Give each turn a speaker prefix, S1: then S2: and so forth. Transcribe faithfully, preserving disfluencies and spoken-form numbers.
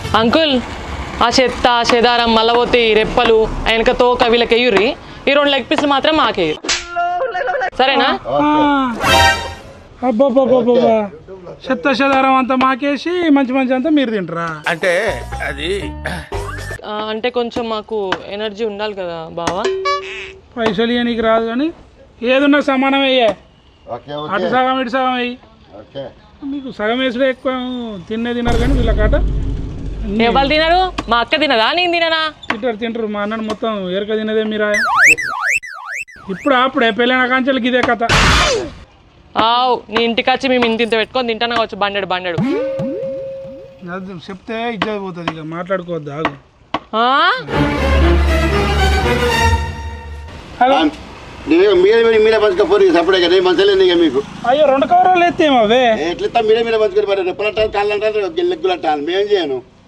S1: Uncle ఆ చెత్త చెదారం మల్లబోతి రెప్పలు వెనక తోక వీళ్ళకి వేయుర్రి, ఈ రెండు లెగ్ పీసులు మాత్రం మాకేయు, సరేనా?
S2: అబ్బాబ్బాబ్బా చెత్త చెదారం అంతా మాకేసి మంచి మంచి అంతా మీరు తింటారా?
S3: అంటే అది
S1: అంటే కొంచెం మాకు ఎనర్జీ ఉండాలి కదా బావా.
S2: పైసలు ఇవ్వనీకి రాదు కానీ ఏదున్నా సమానం అయ్యే, అటు సగం ఇటు సగం అయ్యి. మీకు సగం వేసుడే ఎక్కువ తిన్నే తినరు కానీ వీళ్ళ కాట
S1: ఎవరు తినరు? మా అక్క తినదా నేను తిననా?
S2: తింటారు తింటారు. మా అన్నను మొత్తం ఎరక తినదే మీరా. ఇప్పుడు అప్పుడే పెళ్ళైన కాంచెలకి ఇదే కథ.
S1: ఆవు నీ ఇంటికి వచ్చి మేము ఇంత ఇంత పెట్టుకొని తింటాను కావచ్చు బండెడు బండెడు.
S2: చెప్తే ఇజ్జత్ పోతుంది, ఇక మాట్లాడుకోవద్దు. ఆగు
S4: మీరే మీరే పంచుకోపోయి సపడే కదా మంచలేదు ఇక మీకు.
S2: అయ్యో రెండు కవరాలు ఎత్తేమో అవే
S4: ఎట్లా మీరే మీరే పంచుకొని రెప్పలంటారు కాళ్ళంటారు లెగ్గులంటాను మేమేం చేయను.